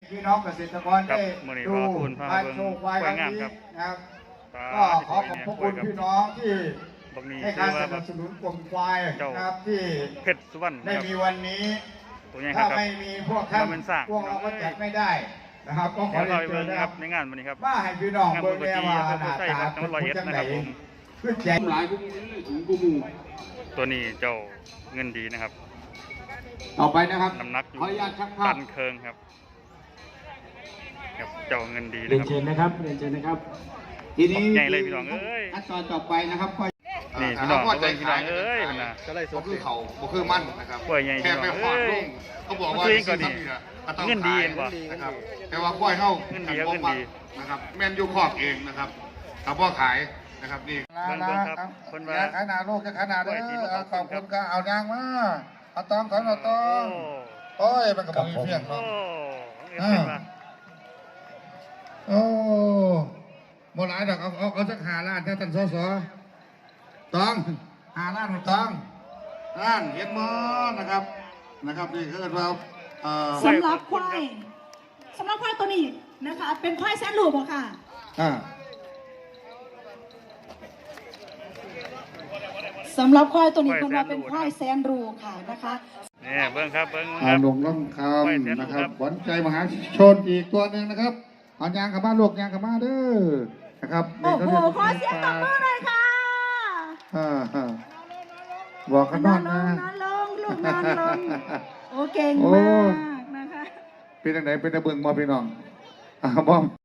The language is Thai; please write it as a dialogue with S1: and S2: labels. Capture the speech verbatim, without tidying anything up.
S1: พี่น้องเกษตรกรได้ดูการโชว์ควายครั้งนี้นะครับก็ขอขอบพระคุณพี่น้องที่ให้การสนับสนุนกลุ่มควายนะครับที่
S2: เพชรสุวรรณ
S1: ได้มีวันนี้ถ้าไม่มีพวกท่านพวกเราก็จัดไม่ได้นะครับก็ขอเรียนเชิญนะครับ
S2: ในงานวันนี้ครับ
S1: ว่าให้พี่น้องเบิ่งแน่ว่าหน้าตาเป็นผู้จังไหนขึ้นใจ
S3: หลายพวกนี้ถุงกูมู
S2: ตัวนี้เจ้าเงินดีนะครับ
S3: ต่อไปนะครับ
S2: น้ำหนักอยู่
S3: ตั
S2: นเคิงครับครับเจ้าเงินดี
S3: เรียนเชิญนะครับเรียนเชิญนะครับทีนี้
S2: ใหญ่เลยพี่น้องเอ้ย
S3: ขั้นตอนต่อไปนะครับก็
S2: นี่พี่น้องพี่น้องเอ้ยมันนะ
S4: ก็คือเขาบ่คือมั่นนะครับ
S2: แค่
S4: ไปขวานลงเขาบอกว่า
S2: ก็ดีเงินดีกว่า
S4: นะครับแต่ว่าควายเท่า
S2: เงินดีเงินดี
S4: นะครับแม่นยูครอบเองนะครับเขาพ่อขายนะครับนี่
S1: ลาลาคนว่าขนาดโลกจะขนาดเลยขอบคุณก็เอายางมาเอาตองขอนเอาตองโอ้ยมันก็บอกมีเพียงเนาะโอ้โมหลายดอกเอาเอาเอาสักหาล้านถ้าท่านสสตองหาล้านตองล้านเห็นมั้งนะครับนะครับนี่คือเรา
S5: สำหรับควายสำหรับควายตัวนี้นะคะเป็นควายแสนรูปค่ะสำหรับควายตัวนี้คนว่าเป็นควายแสนรูค่ะนะคะ
S2: นี่เบิ้งครับเบิ้ง
S1: อาลงล่องคำนะครับขวัญใจมหาชนอีกตัวหนึ่งนะครับเอายางขับบ้านลูกยางขับบ้านเด้อนะครับ
S5: โอ้โหขอเสียงตบมือเลยค่ะ
S1: บอกกันนอนนะ
S5: นอนลงลูกนอนลงโอ้เก่งมากนะคะ
S1: เป็นยังไงเป็นตะเบิงมอพี่น้องอ่าบอม